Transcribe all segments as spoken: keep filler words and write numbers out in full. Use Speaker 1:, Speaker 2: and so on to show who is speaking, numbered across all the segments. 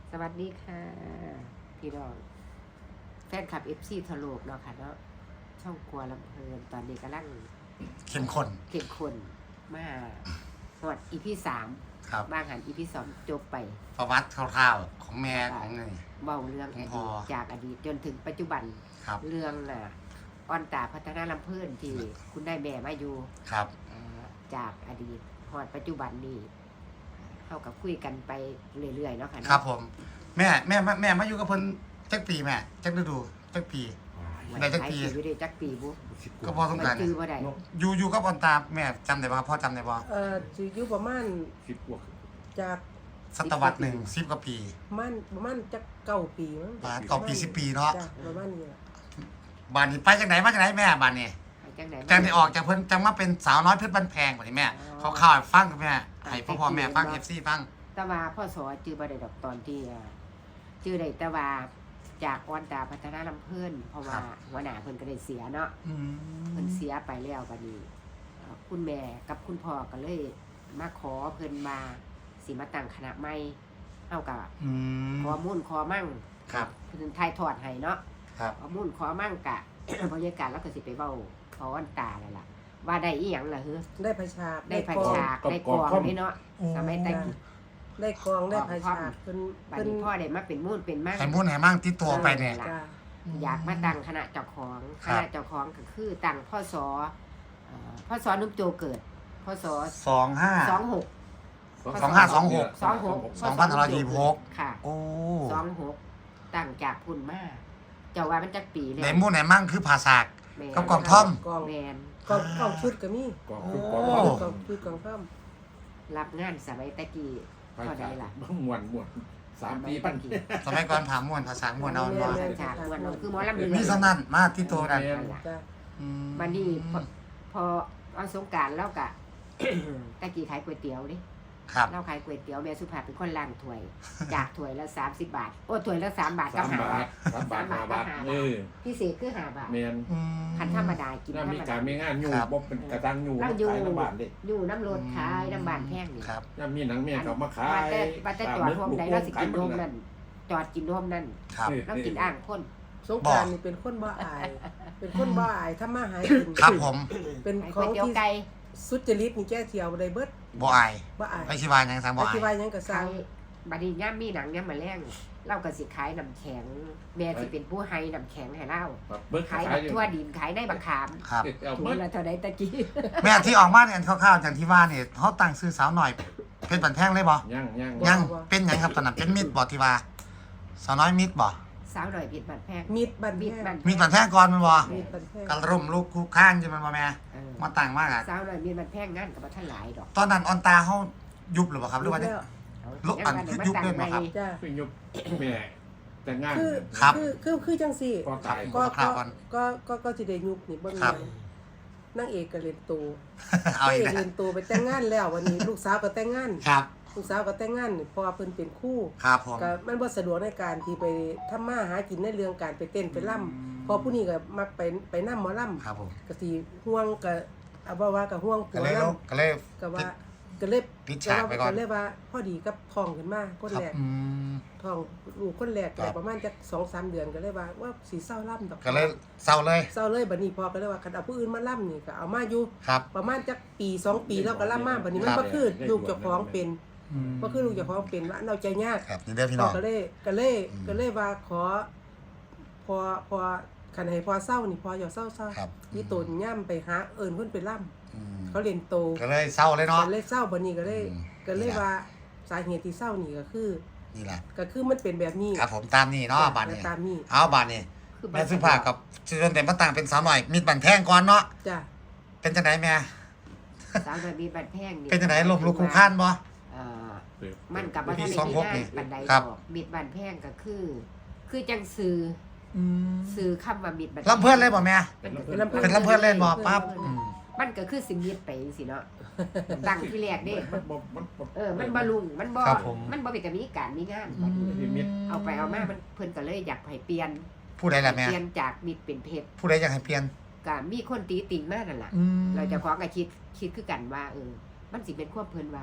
Speaker 1: สวัสดีค่ะพี่น้องแฟนคลับ เอฟ ซี ทั่วโลกเนาะค่ะเนาะช่องครัวลำเพลินตอนนี้กำลัง
Speaker 2: เข้มข้น
Speaker 1: เข้มข้นมาหอด อี พี สาม
Speaker 2: ครับ
Speaker 1: บางหัน อี พี สองจบไป
Speaker 2: ประวัติคร่าวๆของแม่ของไง
Speaker 1: เบาเรื่องอดีตจากอดีตจนถึงปัจจุบันเรื่องน่ะอ่อนตาพัฒนาลำเพลินที่คุณได้แม่มาอยู่
Speaker 2: ครับ
Speaker 1: จากอดีตหอดปัจจุบันนี้เข้ากับคุยกันไปเรื่อยๆเนาะค่ะ
Speaker 2: ครับผมแม่แม่แม่มาอยู่กับเพิ่นจักปีแม่จักฤดูจักปีได้จักปี
Speaker 1: อยู่ได้จักปีบุ๊
Speaker 2: ก็พอสงการอยู่อยู่กับอ่อนตาแม่จำได้บ่พ่อจำได้บ่
Speaker 3: เอ่อสิอยู่ประมาณ
Speaker 4: สิบกว่า
Speaker 3: จาก
Speaker 2: ศตวรรษหนึ่งสิบกว่าปี
Speaker 3: ประมาณประมาณจักเก้าปีมั้ง
Speaker 2: เก้าปีสิบปีเนาะ
Speaker 3: ประมาณนี้
Speaker 2: บ้านนี้ไปจากไหนมาจากไหนแม่บ้านนี้
Speaker 1: จังไหน
Speaker 2: จังได้ออกจากเพิ่นจังมาเป็นสาวน้อยเพชรบ้านแพงบัดนี้แม่เขาข่าวฟังแม่ให้พ่อพ่อแม่ฟัง เอฟ ซี ฟัง
Speaker 1: แต่ว่าพ่อสอจื้อบ่ได้ดอกตอนที่จื้อได้แต่ว่าจากอ่อนตาพัฒนาลำเพิ่นเพราะว่าหัวหน้าเพิ่นก็ได้เสียเนาะเพิ่นเสียไปแล้วบัดนี้คุณแม่กับคุณพ่อก็เลยมาขอเพิ่นมาสิมาตั้งคณะใหม่เฮาก็ขอมุ่นขอมั่ง
Speaker 2: ครับ
Speaker 1: เพิ่นถ่ายทอดให้เนาะ
Speaker 2: ครับ
Speaker 1: ขอมุ่นขอมั่งกะบรรยากาศแล้วก็สิไปเว้าขออ่อนตาแล้วล่ะว่าได้อีหยังล่ะเฮ้อ
Speaker 3: ได้พระชา
Speaker 1: ได้พระชาได้กองนี่เนาะสมัยแต่กี้
Speaker 3: ได้กองได้พระชาเพิ่น
Speaker 1: บัดนี้พ่อได้มาเป็นมุ่นเป็นมั่ง
Speaker 2: ให้มุ่นให้มั่งติดตัวไปเนี่ย
Speaker 1: อยากมาตั้งคณะเจ้าของคณะเจ้าของก็คือตั้งพ่อสอพ่อสอนุ่มโจเกิดพ่อสอ
Speaker 2: สองห้า
Speaker 1: สองหก
Speaker 2: สองห้าสองหก
Speaker 1: สองหก
Speaker 2: สองพันห้าร้อยยี่สิบหก
Speaker 1: ค่ะ
Speaker 2: โอ้
Speaker 1: สองหกตั้งจากพุ่นมาเจ้าว่ามันจักปีเลย
Speaker 2: ในมุ่นไหนมั่งคือภาษากกับกองท่อม
Speaker 3: กอง
Speaker 1: แมน
Speaker 3: กองกองชุดก็มี
Speaker 4: กอง
Speaker 3: กองกองชุดกองท่อม
Speaker 1: รับงานสมัยตะกี้เท่าใดล่ะ
Speaker 4: ม่วนม่วนสามปีปัน
Speaker 2: สมัยก่อนผาม่วนภาษาม่วนเอา
Speaker 1: เนาะฉากม่วนเอาคือหมอลำเรื
Speaker 2: องมีสนั่นมาที่โตนั่น
Speaker 1: บัดนี้พอเอาสงกรานต์แล้วก็ตะกี้ขายก๋วยเตี๋ยวดิเราขายก๋วยเตี๋ยวแม่สุภาพเป็นคนล้างถ้วยจากถ้วยละสามสิบบาทโอ้ถ้วยละสามบาทกับห้าบาท
Speaker 4: สามบาทห้าบาทเออ
Speaker 1: พิเศษคือห้าบาท
Speaker 4: แม่น
Speaker 1: คันธรรมดากินธรรมดา
Speaker 4: มีการมีงานอยู่บ่เป็นกระตังอยู่
Speaker 1: ขายน้ำบานเด้อยู่น้ำรถขายน้ำบานแพงนี่
Speaker 2: ครับ
Speaker 4: ยามมีหนังแม่เขามาขาย
Speaker 1: แต่บัดแต่จอดโฮมใดเราสิกินโฮมนั่นจอดกินโฮมนั่นเรากินอ่างคน
Speaker 3: สงกรานต์นี่เป็นคนบ่อายเป็นคนบ่อายทำมาหากิน
Speaker 2: ครับผม
Speaker 3: เป็นของที่สุจริตนี่แก้เที่ยวได้เบิด
Speaker 2: บ่อาย
Speaker 3: บ่อาย
Speaker 2: ไปสิว่าหยังซั่นบ่อาย
Speaker 3: ไปสิว่าหยังก็สร้าง
Speaker 1: บัดนี้ยามมีหนังยามมาแลงเราก็สิขายน้ำแข็งแม่สิเป็นผู้ให้น้ำแข็งให้เราขายทั่วดินขายได้บักขาม
Speaker 2: ครับ
Speaker 1: ถุงละเท่าใดตะกี้
Speaker 2: แม่ที่ออกมาเนี่ยคร่าวๆอย่างที่ว่านี่เฮาตั้งชื่อสาวหน่อยเพชรบันแพงเลยบ่
Speaker 4: ยังยัง
Speaker 2: ยังเป็นหยังครับตอนนั้นเป็นมิตรบ่ที่ว่าสาวน้อยมิตรบ่
Speaker 1: สาวหน่อยมิตรบันแพง
Speaker 3: มิตรบันแพง
Speaker 2: มิตรบันแพงก่อนมันบ่
Speaker 3: มิตรบันแพง
Speaker 2: กะร่มลูกคู่ข้างอยู่มันบ่แม่มาตั้งมากอ่ะ
Speaker 1: สาวหน่อยมิตรบันแพงงานก็บ่ทันหลายดอก
Speaker 2: ตอนนั้นออนตาเฮายุบหรือบ่ครับหรือว่าลุกอันยุบด้วยบ่ครับ
Speaker 3: จ้ะ
Speaker 4: คือยุบแม่แต่งาน
Speaker 2: ครับ
Speaker 3: คือคือคือจังซี่
Speaker 4: ก็
Speaker 3: ก็ก็ก็ก็สิได้ยุบนี่เบิ่งนางเอกก็เล่นโต
Speaker 2: เอาอีก
Speaker 3: เล่นโตไปแต่งงานแล้ววันนี้ลูกสาวก็แต่งงาน
Speaker 2: ครับ
Speaker 3: ลูกสาวก็แต่งงานพอเพิ่นเป็นคู่
Speaker 2: ครับผม
Speaker 3: ก็มันบ่สะดวกในการที่ไปทำมาหากินในเรื่องการไปเต้นไปล่ำพอผู้นี้ก็มักไปไปนำหมอลำ
Speaker 2: ครับผม
Speaker 3: ก็สิห่วงก็เอาบ่ว่าก็ห่วงผัว
Speaker 2: นำก็เลย
Speaker 3: ก็ว่าก็เลย
Speaker 2: ปิดฉากไปก่อน
Speaker 3: ก็เลยว่าพอดีกับท้องขึ้นมาคนแรกท้องลูกคนแรกได้ประมาณจัก สองสาม เดือนก็เลยว่าว่าสิเศร้าล่ำดอก
Speaker 2: ก็เลยเศร้าเลย
Speaker 3: เศร้าเลยบัดนี้พอก็เลยว่าคันเอาผู้อื่นมาล่ำนี่ก็เอามาอยู่ประมาณจักปีสองปีแล้วก็ล่ำมาบัดนี้มันบ่คือลูกเจ้าของเป็นบ่คือลูกเจ้าของเป็นว่าเราใจยาก
Speaker 2: ครับนี่เด้อพี่น้อง
Speaker 3: ก็เลยก็เลยก็เลยว่าขอพอพอคันให้พอเศร้านี่พออย่าเศร้าๆนี่ตนย่ํไปหาเอิ้นเพิ่นไปล่ำเขาเล่นโต
Speaker 2: ก็เลยเศร้าเลยเนาะ
Speaker 3: ก็เลยเศร้าบัดนี้ก็เลยก็เลยว่าสาเหตุที่เศร้านี่ก็คือ
Speaker 2: นี่แหละ
Speaker 3: ก็คือมันเป็นแบบนี้
Speaker 2: ครับผมตามนี่เนาะบาดนี้
Speaker 3: ตามนี้
Speaker 2: เอาบาดนี้แม่สุภาพกับจนเต็มมาต่างเป็นสาวหน่อยมีบันแพงก่อนเนาะ
Speaker 3: จ้ะ
Speaker 2: เป็นจังได๋แม่
Speaker 1: สาวหน่อยมีบันแพงนี่
Speaker 2: เป็นจังได๋ลมลุกคู่ค้านบ่
Speaker 1: เอ่อมันกับบ่ทันได้มีงานปานใดดอกมิดบันแพงก็คือคือจังซื่อซื่อคำว่ามิดบัน
Speaker 2: ลำเพิ่นเลยบ่แม่
Speaker 3: เป็น
Speaker 2: ลำเพิ่นเล่นบ่ปั๊บ
Speaker 1: มันก็คือสิมิดไปสิเนาะตั้งที่แรกเด้เออมันบ่ลุงมันบ่มันบ่เป็นก็มีการมีงานเอาไปเอามามันเพิ่นก็เลยอยากให้เปลี่ยน
Speaker 2: ผู้ใดล่ะแม่
Speaker 1: เปลี่ยนจากมิดเป็นเพชร
Speaker 2: ผู้ใดอยากให้เปลี่ยน
Speaker 1: ก็มีคนตีติ่งมานั่นล่ะเราจะขอก็คิดคิดคือกันว่าเออมันสิเป็นความเพิ่นว่า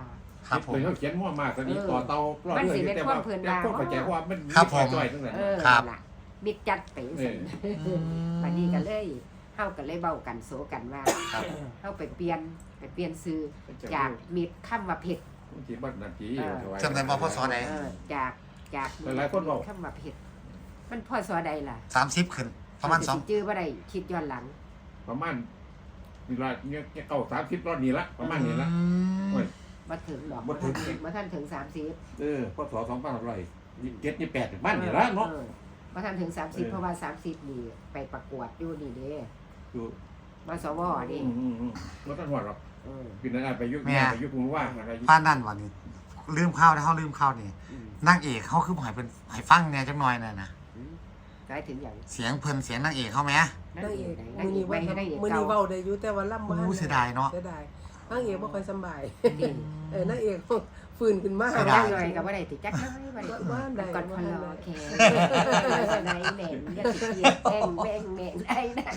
Speaker 2: ครับผม
Speaker 4: เป็นเขาเขียนมั่วมากตอนนี้ต่อเตาปลอด
Speaker 1: มัน
Speaker 4: เรื่
Speaker 1: สิ
Speaker 4: อย
Speaker 1: เป็น
Speaker 4: แต่
Speaker 1: ควา
Speaker 4: ว่าม
Speaker 1: เพลิน
Speaker 4: แต่
Speaker 1: ราง
Speaker 4: พวกเข้าใจว่ามัน
Speaker 2: ครับผม
Speaker 4: จ่อยๆตั้งแต่
Speaker 1: เออ
Speaker 2: ครับ
Speaker 1: นั่นล่ะมิดจัดไปซั่น
Speaker 2: อืม
Speaker 1: บัดนี้ก็เลยเฮาก็เลยเว้ากันโซกันว่า
Speaker 2: ครับ
Speaker 1: เฮาไปเปลี่ยนไปเปลี่ยนชื่อจากมิดคำว่าเพชร
Speaker 4: ที่บ้านนาที
Speaker 2: จำได้บ่พศใด
Speaker 1: เออจากจาก
Speaker 4: หลายๆคนบอก
Speaker 1: คำว่าเพชรมันพศใดล่ะ
Speaker 2: สามสิบขึ้นประมาณสอง
Speaker 1: สิจื้อบ่ได้คิดย้อนหลัง
Speaker 4: ประมาณเวลาเนี่ยเก้าสามสิบรอบนี้ละประมาณนี้ละ
Speaker 2: อืม
Speaker 4: โอ้ย
Speaker 1: บ่ถึงดอก
Speaker 4: บ่ถึง
Speaker 1: บ่ทันถึงสามสิบ
Speaker 4: เออพศสองพันร้อยยี่สิบเจ็ดยี่สิบแปดบ้านนี่ละเนาะ
Speaker 1: ออบ่ทันถึงสามสิบ
Speaker 4: เออ
Speaker 1: เพราะว่าสามสิบนี่ไปประกวดอยู่นี่เด้
Speaker 4: อยู่
Speaker 1: มสวนี่
Speaker 4: อืมอืมอืมรถตั้งหัวหรอก
Speaker 1: เออ
Speaker 4: ปีนั้นไปยุคไปยุคคุณว่างอะไร
Speaker 2: ป้านั่นวันนี้ลืมข้าวได้เขาลืมข้าวนี่
Speaker 1: อืม
Speaker 2: นางเอกเขาคือบ่ให้เป็นให้ฟังเนี่ยจักหน่อยน่ะนะ
Speaker 1: อืมหมายถึงอย่าง
Speaker 2: เสียงเพิ่นเสียงนางเอกเขาไหม
Speaker 1: นั่
Speaker 3: นาง
Speaker 1: เอ
Speaker 3: เอก ก
Speaker 1: ไหนนาง
Speaker 3: มื้อ
Speaker 1: เอ
Speaker 3: นี้
Speaker 1: ก
Speaker 3: ว่า
Speaker 1: ไม่ให้นางเอก
Speaker 3: มื้อนี้
Speaker 1: เก่า
Speaker 3: เว้าได้อยู่แต่ว่าล่ำบ่ทัน
Speaker 2: อู้เสียดายเนาะ
Speaker 3: เสียดายนางเอกบ่ค่อยสำบาย
Speaker 1: ดี
Speaker 3: เออนางเอกฟื้นขึ้นมา
Speaker 2: เสีย
Speaker 1: จั
Speaker 2: ดาก ย
Speaker 1: หน่อยก็บ่ได้ติจักน้อยบ่ได้ติ
Speaker 3: ว่าได้
Speaker 1: ก่อนพลอแค่ไหนแหน่งอย่าติเกียดแม่งแม่งแม่งได้นะ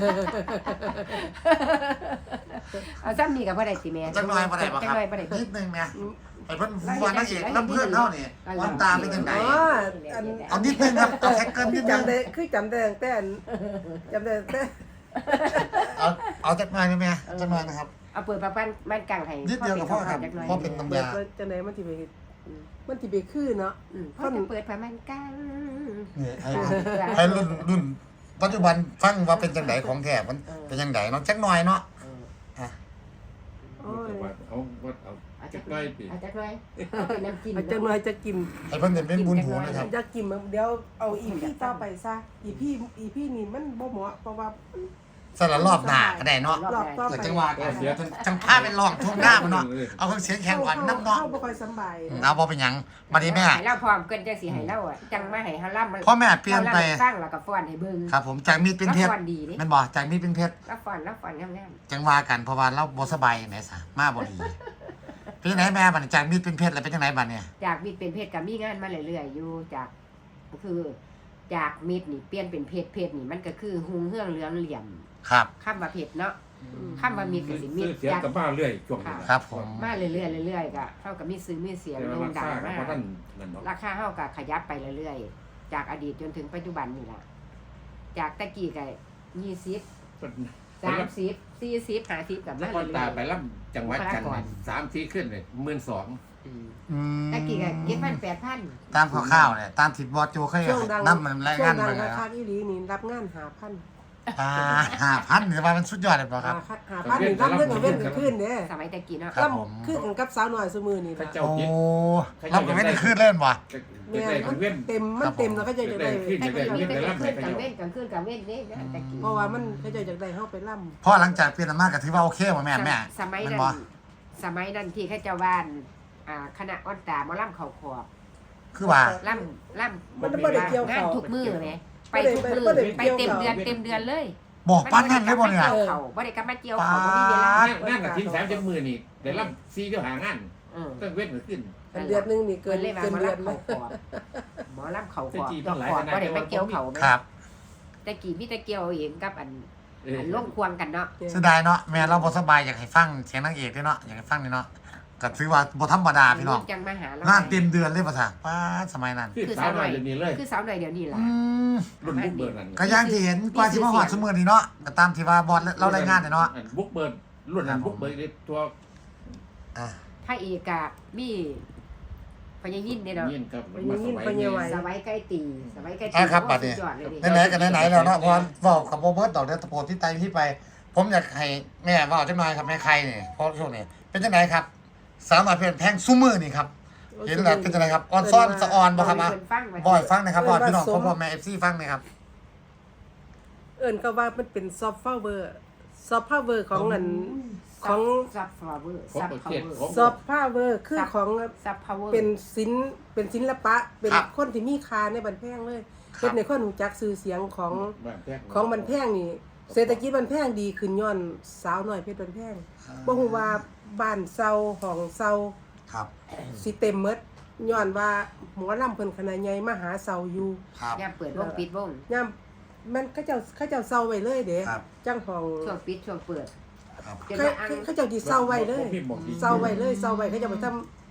Speaker 1: เอาซ้ำนี่ก็บ่ได้ติแม่
Speaker 2: จักหน่อยบ่ได้บ่ค
Speaker 1: จั
Speaker 2: รับ
Speaker 1: หน่อยบ่ได้
Speaker 2: นิดนึงเนี่ยไอ้เพิ่นว่านางเอกน้ำเพื่อนเฮานี่วันตาเป็นจังได
Speaker 3: อ๋ออัน
Speaker 2: เอานิดนึงครับเอาแค่เกิน
Speaker 3: คื
Speaker 2: นิ
Speaker 3: อ
Speaker 2: ดนึง
Speaker 3: จำได้คือจำได้ตั้งแต่อันจำได้ตั้งแต่
Speaker 2: เอาเอาจักหน่อยได้ไหมจักหน่อยนะครับ
Speaker 1: เอาเปิดประปันบ้านกลางให้
Speaker 2: นิดเดียวกับพ่อครับ
Speaker 1: จักหน่อย
Speaker 2: พ่อเป็นน้ำ
Speaker 3: เปิด
Speaker 2: ยา
Speaker 3: ว่าจังไดมันสิไปมันสิไปคือเนาะ
Speaker 1: อืมพ่อจะเปิดประมาณกลาง
Speaker 2: นี่ให้ให้รุ่นรุ่นปัจจุบันฟังว่าเป็นจังไดของแท้มันเป็นจังไดเนาะจักหน่อยเนาะ
Speaker 1: เออ
Speaker 2: อ่ะ
Speaker 3: โอ้ย
Speaker 4: เอาเอา
Speaker 1: เอา
Speaker 4: จะ
Speaker 1: จักห
Speaker 4: ใก
Speaker 1: น่
Speaker 4: ล้
Speaker 1: อย
Speaker 4: ปี
Speaker 1: เอาจักหน่อยเอาเป็นน้ำกิน
Speaker 3: อาจจะหน่อยจะกิน
Speaker 2: ให้เพิ่นเป็นบุญหูนะครับ
Speaker 3: จะกินมันเดี๋ยวเอาอีพี่ต่อไปซะอีพี่อีพี่นี่มันบ่เหมาะเพราะว่า
Speaker 2: สละรอบหน้าก็ได้เนาะ
Speaker 3: รอบต่อ
Speaker 2: เกิด
Speaker 3: ไป
Speaker 2: จังหวะกันเสียจังพาเป็นรองทุ่งหน้ามันเนาะเอาเครื่องเสียงแข่งก่อนน้ำเนาะ
Speaker 3: เข้าบ่ค่อยสำบาย
Speaker 2: เอาบ่เป็นหยังบัดนี้แม่
Speaker 1: ให้เล่าพร้อมเกินจังสิให้เล่าอ่ะจังมาให้เฮาล่ำ
Speaker 2: พ่อแม่เปลี่ยนไป
Speaker 1: สร้างแล้วก็ฟ้อนให้เบิ่ง
Speaker 2: ครับผมจากมีดเป็นเพชร
Speaker 1: ฟ้อนดีนี่
Speaker 2: แม่นบ่จากมีดเป็นเพชร
Speaker 1: แล้วฟ้อนแล้วฟ้อนงาม
Speaker 2: จังว่ากันเพราะว่าเราบ่สบายแหมซะมาบ่ดีเป็นจังไดแม่บัดนี้จากมีดเป็นเพชรแล้วเป็นจังไดบัดเนี่ย
Speaker 1: ๆจากมิตรเป็นเพชรก็มีงานมาเรื่อยๆอยู่จากก็คือ จากมิตรนี่เปลี่ยนเป็นเพชรเพชรนี่มันก็คือหุงเฮืองเหลืองเหลี่ยม
Speaker 2: ครับ
Speaker 1: คำว่าเพชรเนาะคำว่ามิตรก็สิมิตร
Speaker 4: เสีย
Speaker 1: จาก
Speaker 4: กับบ้านเรื่อยช่วงนี้
Speaker 2: ครับผม
Speaker 1: มาเรื่อยๆเรื่อยๆก็เท่ากับมีซื้อมีเสียง
Speaker 4: แต่
Speaker 1: โด่
Speaker 4: ว่าง รา
Speaker 1: ดัง
Speaker 4: คา
Speaker 1: มา
Speaker 4: เพราะท่านนั่นเนาะ
Speaker 1: ราคาเท่ากับขยับไปเรื่อยๆจากอดีตจนถึงปัจจุบันนี่ล่ะจากตะกี้ก็ยี่สิบสามสิบสี่สิบห้าสิบกับ
Speaker 4: แล้
Speaker 1: มาว
Speaker 4: ก็
Speaker 1: เรื่
Speaker 4: ตา
Speaker 1: อย
Speaker 4: ไปรับจังหวัดกันสามสี่ขึ้นเลยหมื่นสอง
Speaker 1: ๆอืม
Speaker 2: อืม
Speaker 1: ตะกี้ก็เจ็ดพันแปดพัน
Speaker 2: ตามคร่าวๆเนี่ยตามที่บอสโจเคย
Speaker 3: ช่วงดัง
Speaker 2: นำมันราย
Speaker 3: ช่ว
Speaker 2: งาง น
Speaker 3: ดัง
Speaker 2: มาแล้
Speaker 3: ราว คาอีหลีนี่รับงานหาพัน
Speaker 2: อ่าห้าพันนี่ว่ามันสุดยอดเลยบ่ครับ
Speaker 3: หาพันนี่รับเรื่องกับเว้นกับขึ้นเด้
Speaker 1: สมัยตะกี้เนาะ
Speaker 2: ครับผม
Speaker 3: คือกันกับสาวน้อยซุมื้อนี่
Speaker 4: พระ
Speaker 3: ล่ะ
Speaker 4: เจ้า
Speaker 2: โอ้
Speaker 4: คิด
Speaker 2: รับก็ไม่ได้ขึ้นเล่นว่ะ
Speaker 3: แม่
Speaker 4: ได้
Speaker 3: มัน
Speaker 4: เว้น
Speaker 3: เต็มมันเต็มแล้วก็จะจะได้
Speaker 1: ตะกี้มีแต่กลางคืนกลางเว้นกลางคืนกลางเว้นนี่นะตะกี้
Speaker 3: เพราะว่ามันเขาจะอยากได้เฮาไปล่ำ
Speaker 2: เพราะหลังจากเปลี่ยนอำนาจก็ถือว่าโอเคบ่แม่แม่
Speaker 1: สมัย
Speaker 2: แม่
Speaker 1: นั้น
Speaker 2: นบ่
Speaker 1: สมัยนั้นที่เขาเจ้าบ้านอ่าคณะอ้อนตาหมาล่ำเขาขอบ
Speaker 2: คือว่า
Speaker 1: ล่ำล่ำ
Speaker 3: มันบ่ได้เกี่ยว
Speaker 1: งาน
Speaker 3: เขา
Speaker 1: ทุกมือไหมไป
Speaker 3: บ่ได้
Speaker 1: ทุกมือ
Speaker 3: บ่ได้
Speaker 1: ไป
Speaker 3: เกี่ยว
Speaker 1: เต็ม
Speaker 3: เขา
Speaker 1: เดือนเต็มเดือนเลย
Speaker 2: บอกป้านนั่นเลยบ่เนี่ย
Speaker 1: เขาบ่ได้กลับมาเกี่ยวเขาบ่มีเวลา
Speaker 4: งานกับทีมแสามจังมือนี่ได้รับซีเดียวหางาน
Speaker 1: เออ
Speaker 4: ต้องเว้นขึ้น
Speaker 3: อันเดือนหนึงนี่เกิ
Speaker 1: เกิ
Speaker 3: น
Speaker 1: นเลยมา
Speaker 3: เกิน
Speaker 1: หมอ
Speaker 3: เดือน
Speaker 1: ลำ
Speaker 3: เล
Speaker 1: เขา
Speaker 3: ย
Speaker 1: ขอบหมอลำเขาข
Speaker 4: แต่
Speaker 1: อบ
Speaker 4: จี
Speaker 1: ดอก
Speaker 4: หลาย
Speaker 1: ขอ
Speaker 4: ข
Speaker 1: บ
Speaker 4: นาด
Speaker 1: บ่ได้มาเกี่ยวเขาไหม
Speaker 2: ครับ
Speaker 1: แต่กี่พี่ตะเกี่ยวเองกับอัน
Speaker 4: เออ
Speaker 1: อันล่มควงกันเนาะ
Speaker 2: เสียดายเนาะแม่เราบ่สบายอยากให้ฟังเสียงนางเอกด้วยเนาะอยากให้ฟังนี่เนาะก็ถือว่าบ่ธรรมดาพี่น้อง
Speaker 1: จังมาหาเรา
Speaker 2: งานเต็มเดือนเลยภาษาป้าดสมัยนั้น
Speaker 4: คือสาวหน่อยเดี๋ยวนี้เลย
Speaker 1: คือสาวหน่อยเดี๋ยวนี้ล่ะ
Speaker 2: อืม
Speaker 4: รุ่นบุกเบิร์นั่น
Speaker 2: ก็อย่างที่เห็นกว่าสิมาฮอดซุมื้อนี้เนาะก็ตามที่ว่าบอสเรารายงานเนี่ยเนาะ
Speaker 4: บุกเบิร์รุ่นนั้นบุกเบิร์ตัว
Speaker 2: อ่ะ
Speaker 1: พระเอกอะมีพญายินเนี่ยเนาะ
Speaker 4: ยินกับ
Speaker 1: สไว้ใกล้ตีสไว้ใกล้ตี
Speaker 2: อ่ะครับบัดนี้
Speaker 1: สุยอเลยดิ
Speaker 2: ไหนๆกันไหนๆแล้วเนาะพอบอกกับโบเบิร์ตดอกเดือนตะโพที่ไตที่ไป ผมอยากให้แม่เว่าจังหน่อยครับแม่ใครนี่เพราะช่วงนี้เป็นจังไดครับ สาวน้อยเพลินแพงซุมือนี่ครับเห็นแล้วเป็นจังไดครับออนซ้อนสะออนบ่ครับมา
Speaker 1: เพิ่นฟังไว้
Speaker 2: บ่อยฟังนะครับบ่อยพี่น้องพ่อพ่อแม่ เอฟ ซี ฟังนะครับ
Speaker 3: เอิ้นก็ว่ามันเป็นซอฟต์พาวเวอร์ซอฟต์พาวเวอร์ของอันของ
Speaker 1: ซับฟลาเวอร์
Speaker 4: ครบ
Speaker 1: ซับ
Speaker 4: ประ
Speaker 1: พา
Speaker 4: เทศ
Speaker 1: วเวอร์
Speaker 4: ครบ
Speaker 3: ซอฟต์พาวเวอร์คือของ
Speaker 1: ซับพาวเวอร์
Speaker 3: เป็นศิลป์เป็นศิลปะ เป็น
Speaker 2: ครับ
Speaker 3: คนที่มีค่าในบันแพงเลย
Speaker 2: ครับ
Speaker 3: เป็นในคนรู้จักชื่อเสียงของของบันแพงนี่ เศรษฐกิจบันแพงดีขึ้นย้อนสาวน้อยเพชรบันแพงบ่ฮู้ว่าบ้านเซาห้องเซา
Speaker 2: ครับ
Speaker 3: สิเต็มหมดย้อนว่าหมอลำเพิ่นคณะใหญ่มาหาเซาอยู่
Speaker 2: ครับ
Speaker 1: ย่ามเปิดวงปิดวง
Speaker 3: ยามมันเขาเจ้าเขาเจ้าเซาไว้เลยเด้
Speaker 2: ครับ
Speaker 3: จังห้อง
Speaker 1: ช่วงปิดช่วงเปิด
Speaker 2: ครับ
Speaker 1: จน
Speaker 3: เขา
Speaker 1: ว่าอัง
Speaker 3: เขาเจ้าสิเซาไว้เลยเซาไว้เลยเซาไว้เขาเจะไปทำ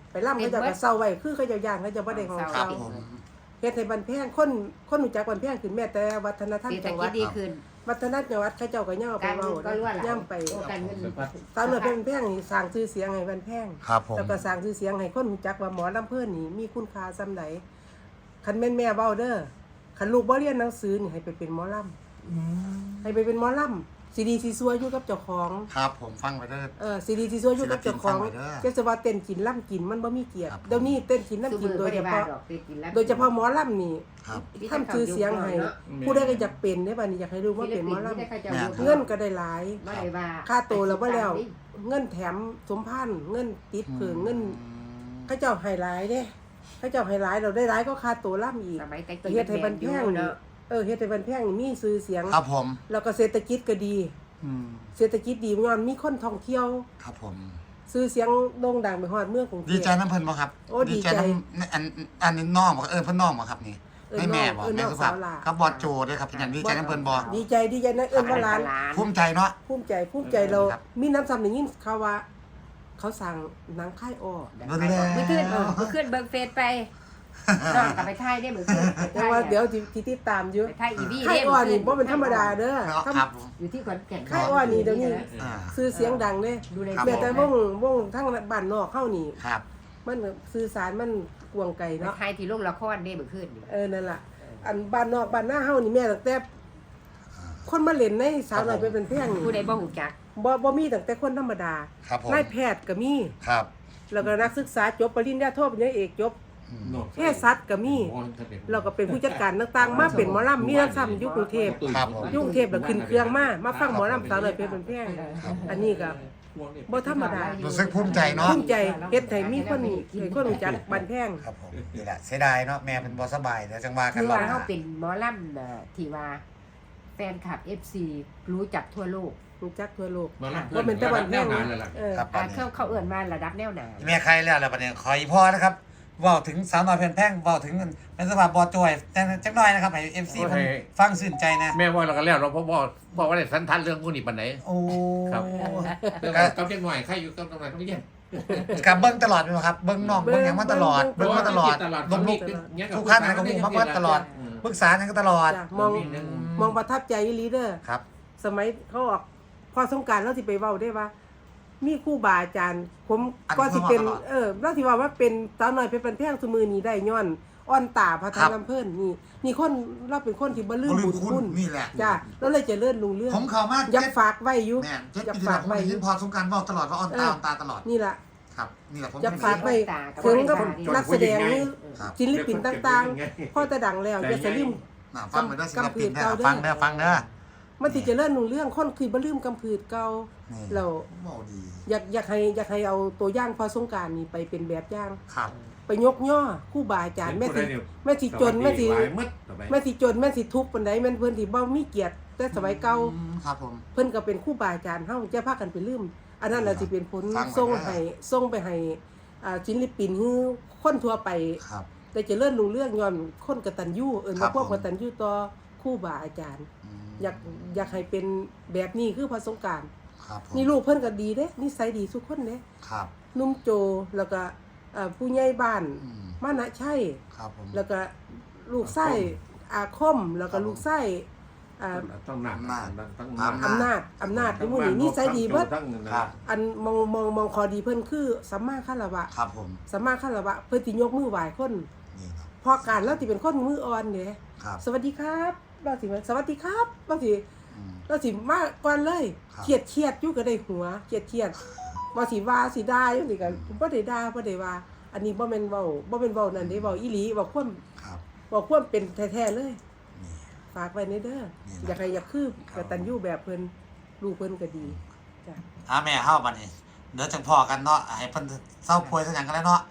Speaker 3: ไปล่ำเขาเจ้าก็เศร้าไว้คือเขาเจ้าย่างเขาเจ้าบ่ได้ของ
Speaker 2: ครั
Speaker 3: เศร้า
Speaker 2: บผม
Speaker 3: เฮ็ดให้บันแพงคนคนรู้จักบันแพงขึ้นแม้แต่วัฒนธรรม
Speaker 1: เศรษฐ
Speaker 3: จังห
Speaker 1: กิ
Speaker 3: วั
Speaker 1: จ
Speaker 3: ด
Speaker 1: ดีขึ้น
Speaker 3: วัฒนธรรมจังหวัดเขาเจ้าก็ย่อไป
Speaker 1: การ
Speaker 3: เว้า
Speaker 1: เงินก็รั่วไหล
Speaker 3: ย่ำไป
Speaker 1: โอ้การเงิน
Speaker 3: สาวน้อยเพชรบันแพงนี่สร้างชื่อเสียงให้บันแพง
Speaker 2: ครับผม
Speaker 3: แล้วก็สร้างชื่อเสียงให้คนรู้จักว่าหมอลำเพิ่นนี่มีคุณค่าส่ำใดคันแม่นแม่เว้าเด้อคันลูกบ่เรียนหนังสือนี่ให้ไปเป็นหมอลำ
Speaker 2: อืม
Speaker 3: ให้ไปเป็นหมอลำซีดีซีซัวอยู่กับเจ้าของ
Speaker 2: ครับผมฟังไปเด้อ
Speaker 3: เออซีดีซีซัวอยู่กับเจ้าของ
Speaker 2: ศิลปินฟังไว้เด้อ
Speaker 3: เจ้าสว่าเต้นกินล่ำกินมันบ่มีเกียรติ
Speaker 2: ครับ
Speaker 3: เดี๋ยวนี้เต้นกิน
Speaker 1: ซุ
Speaker 3: ล่ำกิ
Speaker 1: มื
Speaker 3: น
Speaker 1: อ
Speaker 3: โด
Speaker 1: บ่
Speaker 3: ยเฉ
Speaker 1: ได้ว่า
Speaker 3: พาะ
Speaker 1: ดอกไปกินแล้ว
Speaker 3: โดยเฉพาะหมอลำนี่
Speaker 2: ครับ
Speaker 3: ทำชื่อเสียงให้ผู้ใดก็อยากเป็นได้บัดนี้อยากให้รู้ว่าเป็นหมอลำเงินก็ได้หลาย
Speaker 1: บ่ได้ว่า
Speaker 3: ค่าตัวแล้วบ่แล้ว เงินแถมสมพันธ์เงินติดเพิ่งเงินเขาเจ้าให้หลายเด้เขาเจ้าให้หลายเราได้หลายก็ค่าตัวล่ำอีก
Speaker 1: สมัยแต่
Speaker 3: แต่
Speaker 1: กี้
Speaker 3: เฮ็ดให้บันแพง
Speaker 1: เนาะ
Speaker 3: เออเฮ็ดให้บันแพงนี่มีชื่อเสียง
Speaker 2: ครับผม
Speaker 3: แล้วก็เศรษฐกิจก็ดี
Speaker 2: อืม
Speaker 3: เศรษฐกิจดีย้อนมีคนท่องเที่ยว
Speaker 2: ครับผม
Speaker 3: ชื่อเสียงโด่งดังไปฮอดเมืองกรุงเทพ
Speaker 2: ดีใจน้ำเพิ่นบ่ครับ
Speaker 3: โอ้ดีใจ
Speaker 2: น้ำอันอันนี้น้องบ่เออเพิ่นน้องบ่ครับนี่
Speaker 3: เออ
Speaker 2: ไม่แม่บ่
Speaker 3: เออน้
Speaker 2: แม่
Speaker 3: อง
Speaker 2: สุภาพ
Speaker 3: สาวหลา
Speaker 2: กับบอดโจด้วยครับเป็นอย่างดีใจน้ำเพิ่นบ่
Speaker 3: ดีใจดีใจนะเอิ้นว่าหลาน
Speaker 2: ภูมิใจเนาะ
Speaker 3: ภูมิใจภูมิใจเรา
Speaker 2: ครับ
Speaker 3: มีน้ำซ้ำได้ยินเขาว่า เขาสั่งหนังค่ายอ้อ
Speaker 2: เบิ่งแล้ว
Speaker 1: มื้อคืนเออมื้อคืนเบิ่งเฟซไปน้องก็ไปถ่ายได้มื้อคืนไป
Speaker 3: แต่
Speaker 1: ถ่าย
Speaker 3: ว่าเดี๋ยวสิสิติดตามอยู่
Speaker 1: ไปถ่ายอีวี
Speaker 3: ค่ายอ้อนี่บ่เป็นธรรมดาเด้อ
Speaker 2: เนาะ
Speaker 3: ถ้า
Speaker 2: ครับผม
Speaker 1: อยู่ที่ขอนแก่น
Speaker 3: ค่ายอ้อนี่เดี๋ยวนี้
Speaker 2: อ่า
Speaker 3: ชื่อเสียงดังเด้
Speaker 1: ดูใน
Speaker 2: ครับ
Speaker 3: แม้แต่วงวงทั้งบ้านนอกเฮานี่
Speaker 2: ครับ
Speaker 3: มันสื่อสารมันกวางไกล
Speaker 1: ไป
Speaker 3: เนาะ
Speaker 1: ถ่ายที่โรงละครได้มื้อคืนนี่
Speaker 3: เออนั่นล่ะ อันบ้านนอกบ้านหน้าเฮานี่แม่ตั้งแต่คนมาเล่นในสาวน้อยเพชรบันแพงนี่
Speaker 1: ผู้ใดบ่ฮู้จัก
Speaker 3: บ่บ่มีตั้งแต่คนธรรมดา
Speaker 2: ครับผม
Speaker 3: นายแพทย์ก็มี
Speaker 2: ครับ
Speaker 3: แล้วก็นักศึกษาจบปริญญาโทปริญญาเอกจบ
Speaker 2: อืม
Speaker 3: เภสัชก็มี เราก็เป็นผู้จัดการต่างๆ มาเป็นหมอลำมีน้ำซ้ำอยู่กรุงเทพ
Speaker 2: ครับผม
Speaker 3: อยู่กรุงเทพแล้วขึ้นเครื่องมา มาฟังหมอลำสาวน้อยเพชรบันแพงอันนี้ก็บ่ธรรมดา
Speaker 2: รู้สึกภูมิใจเนาะ
Speaker 3: ภูมิใจเฮ็ดให้มีคนให้คนรู้จักบันแพง
Speaker 2: ครับผมนี่แหละเสียดายเนาะแม่เป็นบ่สบายเดี๋ยวจังว่ากัน
Speaker 1: คือ
Speaker 2: รอบ
Speaker 1: ว่า
Speaker 2: หน้า
Speaker 1: เฮาเป็นหมอลำน่ะที่ว่าแฟนคลับ เอฟ ซี รู้จักทั่วโลก
Speaker 3: รู้จักทั่วโลก
Speaker 4: มาละ
Speaker 3: ว่าเป็นตะวันแพง
Speaker 4: นานเลยล่ะ
Speaker 3: เออ
Speaker 2: ครับ
Speaker 1: อ่าเขาเขาเอื้อนมาระดับแนวหนา
Speaker 2: แม่ใครแล้วแล้วประเด็นขออีพ่อนะครับเว้าถึงสาวน้อยเพิ่นแพงเว้าถึงเป็นสภาพบ่จอยจังจักหน่อยนะครับให้ เอฟ ซี เพิ่นฟังชื่นใจนะ
Speaker 4: แม่ว่าเราก็แล้วเราเพราะบอกบอกว่าได้สันทันเรื่องพวกนี้ปันไหน
Speaker 2: โอ้
Speaker 4: ครับ เรื่องกับเด็กหน่อยใครอยู่กับตรงไหนต้องเรียน
Speaker 2: กับเบิ่งตลอดแม่นบ่ครับเบิ่งน้องเบิ่งหยังมาตลอดเบิ่งมาตลอดลงลูกทุกขั้นนะก็ฮู้มาเบิ่งตลอดปรึกษาหยังก็ตลอด
Speaker 3: จ้ะมองมองประทับใจอีหลีเด้อ
Speaker 2: ครับ
Speaker 3: สมัยเขาออกพอสงกรารเราสิไปเว้าได้ว่า มีครูบาอาจารย์ ผม
Speaker 2: อัน
Speaker 3: ก็สิเป็น
Speaker 2: เพิ่นว่าตลอด
Speaker 3: เออเราสิว่าว่าเป็นสาวน้อยเพชรบันแพงซุมือนี้ได้ย้อนอ่อนตาพระ
Speaker 2: ครั
Speaker 3: ทา
Speaker 2: บ
Speaker 3: ลำเพิ่นนี่นี่คนเราเป็นคนที่บ่ลืม
Speaker 2: บ่ลื
Speaker 3: บุ
Speaker 2: ม
Speaker 3: ญ
Speaker 2: คุ
Speaker 3: คุณ ณ
Speaker 2: นี่แหละ
Speaker 3: จ้ะเราเลยเจะเลื่อนลุงเรื่อง
Speaker 2: ผมเข้ามา
Speaker 3: อยาก
Speaker 2: เจ็ด
Speaker 3: ฝากไว้อยู่
Speaker 2: แม่นเจ็ด
Speaker 3: อยาก
Speaker 2: ปีที่
Speaker 3: ฝา
Speaker 2: แล้วผม
Speaker 3: กไว้
Speaker 2: ได้
Speaker 3: อ
Speaker 2: ยิ
Speaker 3: ยู่
Speaker 2: นพอสงกรารเว้าตลอดว่าอ่อนตาอ่อนตาตลอด
Speaker 3: นี่ล่ะ
Speaker 2: ครับนี่แหละผม
Speaker 3: อยากฝาก
Speaker 2: เป็น
Speaker 3: ไว้ถึงกับนักแสดงหรือ
Speaker 2: ครับ
Speaker 3: ศิลปินต่างๆพ่อแต่ดังแล้วอย่าสลืม
Speaker 2: น่ะฟังไปเด้อศิลปินเด้
Speaker 3: กำพืชเก่า
Speaker 2: อ
Speaker 3: เด้อ
Speaker 2: ฟังเด้อฟังเด้อ
Speaker 3: มันสิเจะเลื่อนลุงเรื่องคนคือบ่ลืมกำพืชเก่า
Speaker 2: นี่
Speaker 3: เรา
Speaker 2: เว้าดี
Speaker 3: อยากอยากให้อยากให้เอาตัวอย่างพอสงกรารนี่ไปเป็นแบบอย่าง
Speaker 2: ครับ
Speaker 3: ไปยกย่อครู่บาอาจารย์แม่สิแม่สิจนแม่สิแม่สิจนแม่สิทุกข์ปานใดแม่นเพิ่นที่บ่มีเกียรติแต่สมัยเก่า
Speaker 2: อืมครับผม
Speaker 3: เพิ่นก็เป็นครู่บาอาจารย์เฮาจะพากันไปลืมอันนั้นน่ะสิเป็นผล
Speaker 2: ฟังไว้
Speaker 3: ส่ง
Speaker 2: นะ
Speaker 3: ให้ส่งไปให้อ่าศิลปินฮือคนทั่วไป
Speaker 2: ครับ
Speaker 3: แต่เจะเลื่อนลุงเรื่องย้อนคนกตัญญูเอิ้น
Speaker 2: ครั
Speaker 3: ว่า
Speaker 2: บ
Speaker 3: พวก
Speaker 2: ผม
Speaker 3: กตัญญูต่อครู่บาอาจารย์
Speaker 2: อืม
Speaker 3: อยากอยากให้เป็นแบบนี้คือพระสงกรานต์
Speaker 2: ครับผม
Speaker 3: นี่ลูกเพิ่นก็ดีเด้นิสัยดีทุกคนเด้
Speaker 2: ครับ
Speaker 3: นุ่มโจแล้วก็เอ่อผู้ใหญ่บ้าน
Speaker 2: อืม
Speaker 3: มานะใช่
Speaker 2: ครับผม
Speaker 3: แล้วก็ลูกไส้อาคม แล้วก็ลูกไส้อ่า
Speaker 4: ต้องหนักต้อง
Speaker 3: อำนาจอำนาจในหมู่นี้นี่ใส่ดีเบิด
Speaker 2: ครับ
Speaker 3: อันมองมองมองคอดีเพิ่นคือสัมมาคารวะ
Speaker 2: ครับผม
Speaker 3: สัมมาคารวะเพิ่นสิยกมือไหว้คน
Speaker 2: นี่ครับ
Speaker 3: พอการแล้วสิเป็นคนมืออ่อนเด้
Speaker 2: ครับ
Speaker 3: สวัสดีครับเราสิว่าสวัสดีครับเราสิ
Speaker 2: อืม
Speaker 3: เราสิมาก่อนเลย
Speaker 2: ครับ
Speaker 3: เครียดเครียดอยู่ก็ได้หัวเครียดเครียดว่าสิว่าสิได้จังซี่ก็บ่ได้ด่าบ่ได้ว่า อันนี้บ่แม่นเว้าบ่แม่นเว้านั่นเด้เว้าอีหลีเว้าความ
Speaker 2: ครับ
Speaker 3: เว้าความเป็นแท้ๆเลย
Speaker 2: นี่
Speaker 3: ฝากไว้ในเด้อ
Speaker 2: นี่นะ
Speaker 3: อยากให้อยากคืบกตัญญูแบบเพิ่นลูกเพิ่นก็ดีจ้ะ
Speaker 2: อ่าแม่เฮาบัดนี้เดี๋ยวจังพอกันเนาะให้เพิ่นเศร้าป่วยซะหยังกันแล้วเนาะ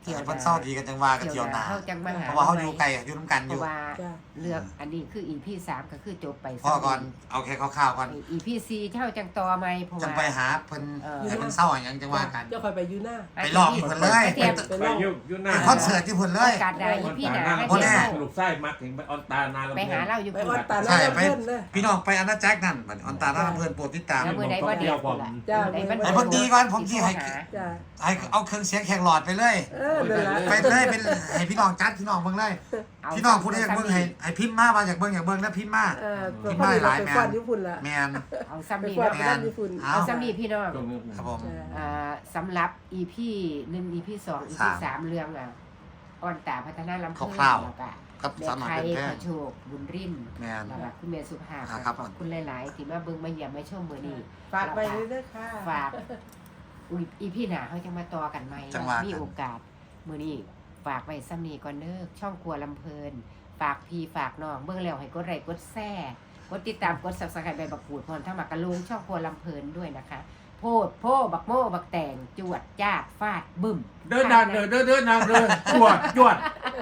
Speaker 1: ที่ยว
Speaker 2: เพิ่นเศร้าดีกันจังว่ากัน
Speaker 1: เที่
Speaker 2: เที่
Speaker 1: ย
Speaker 2: ยว ว
Speaker 1: ห
Speaker 2: ห
Speaker 1: น้า
Speaker 2: น้า
Speaker 1: เฮาจังมาหา
Speaker 2: เพราะว่าเฮาอยู่ไกลอยู่นํกัน
Speaker 1: เพ
Speaker 2: อยู่
Speaker 1: ราะว่า
Speaker 3: จ้ะ
Speaker 1: เรื่องอันนี้คือ อี พี สามก็คือจบไป
Speaker 2: พ่อก่อนเอาแค่คร่าวๆก่อน
Speaker 1: อี พี สี่เท่าจังต่อไหมเพราะ
Speaker 2: จัง
Speaker 1: ว่า
Speaker 2: ไปหาเพิ่น
Speaker 1: เออ
Speaker 2: ให้เพิ่นเศร้าอย่างจังว่ากัน
Speaker 3: เจ้าคอยไปอยู่หน้า
Speaker 2: ไปลองเพิ่นเลย
Speaker 1: เตรียม
Speaker 4: ไปยุ่ยุ่หน้า
Speaker 2: ไปคอนเสิร์ตที่เพิ่นเลย
Speaker 1: การได้ อี พี หน้าให้
Speaker 2: บ่
Speaker 1: เตรี
Speaker 2: แน่
Speaker 1: ยม
Speaker 4: สรุปไส้มักถึงไปออนตานาลำ
Speaker 1: ไปหาเราอยู่
Speaker 3: ไป
Speaker 1: พุ่น
Speaker 3: วัดตา
Speaker 2: ใช่
Speaker 3: แล้ว
Speaker 2: ไป
Speaker 3: เพิ่นเลย
Speaker 2: พี่น้องไปอาณาจักรนั่นบัดออนตาหน้าเพิ่นโปรดติดตาม
Speaker 1: แล้วมื้อใดบ่เด็กพุ่นล่ะ
Speaker 3: จ้ะ
Speaker 1: มื้อใดมัน
Speaker 2: ไอ้เพิ่นดีก่อนผมสิให้
Speaker 3: จ้ะ
Speaker 2: ให้เอาเครื่องเสียงแขกหลอดไปเลย
Speaker 3: เออนั่นล่ะ
Speaker 2: ไปเลยเป็นให้พี่น้องจัดพี่น้องเบิ่งเลย
Speaker 1: เอา
Speaker 2: พี่น้องผู้ใดอยากเบิ่งให้ให้พิมพ์มาว่าอยากเบิ่งอยากเบิ่งแล้วพิมพ์มา
Speaker 3: เออ
Speaker 2: พิมพ์มาหลาย
Speaker 3: ไป
Speaker 2: แม่
Speaker 3: ฟ้อน
Speaker 2: น
Speaker 3: ญี่ปุ่นล่ะ
Speaker 2: แม่น
Speaker 1: เอาซ้ำ
Speaker 3: ไป
Speaker 1: นี่
Speaker 3: ฟ้อน
Speaker 1: เนาะ
Speaker 3: ไปร้านญี่ปุ่น
Speaker 2: เอา
Speaker 1: เอาซ้ำนี่พี่น้อง
Speaker 4: ตรงนี้
Speaker 2: ครับผม
Speaker 3: จ้ะ
Speaker 1: อ่าสำหรับ อี พี หนึ่ง อี พี สอง อี พี สามเรื่องอ่ะอ่อนตาพัฒนาลำเพิ่น
Speaker 2: คร่าวๆ
Speaker 1: แล้วก็
Speaker 2: กับ
Speaker 1: แม่
Speaker 2: สามารถ
Speaker 1: ไทย
Speaker 2: เป็นแพ
Speaker 1: ข
Speaker 2: ง
Speaker 1: อโชคบุญริน
Speaker 2: แม่น
Speaker 1: แล้วก็คุณแม่สุภาพ
Speaker 2: อ่าครับ
Speaker 1: ขอบคุณหลาย ๆ ที่มาเบิ่งมาเยี่ยมมาชมมื้อนี้
Speaker 3: ฝากไปเรื่อยๆค่ะ
Speaker 1: ฝากอุ๊ยอีพี่หน้าเขาจะมาต่อกันใหม่
Speaker 2: จังหวะ
Speaker 1: มีโอกาสมื้อนี้ฝากไว้ซ้ำนี้ก่อนเด้อช่องครัวลำเพลิน ฝากพี่ฝากน้องเบิ่งแล้วให้กดไลค์กดแชร์กดติดตามกด Subscribe ใบบักกูดพร้อมทั้งหมากกะลุงช่องครัวลำเพลินด้วยนะคะ โพดโพบักโม่บักแตงจวดจ้าดฟาดบึ้ม
Speaker 4: เดินดังเดินเดินเดินดังเดินจวดจวด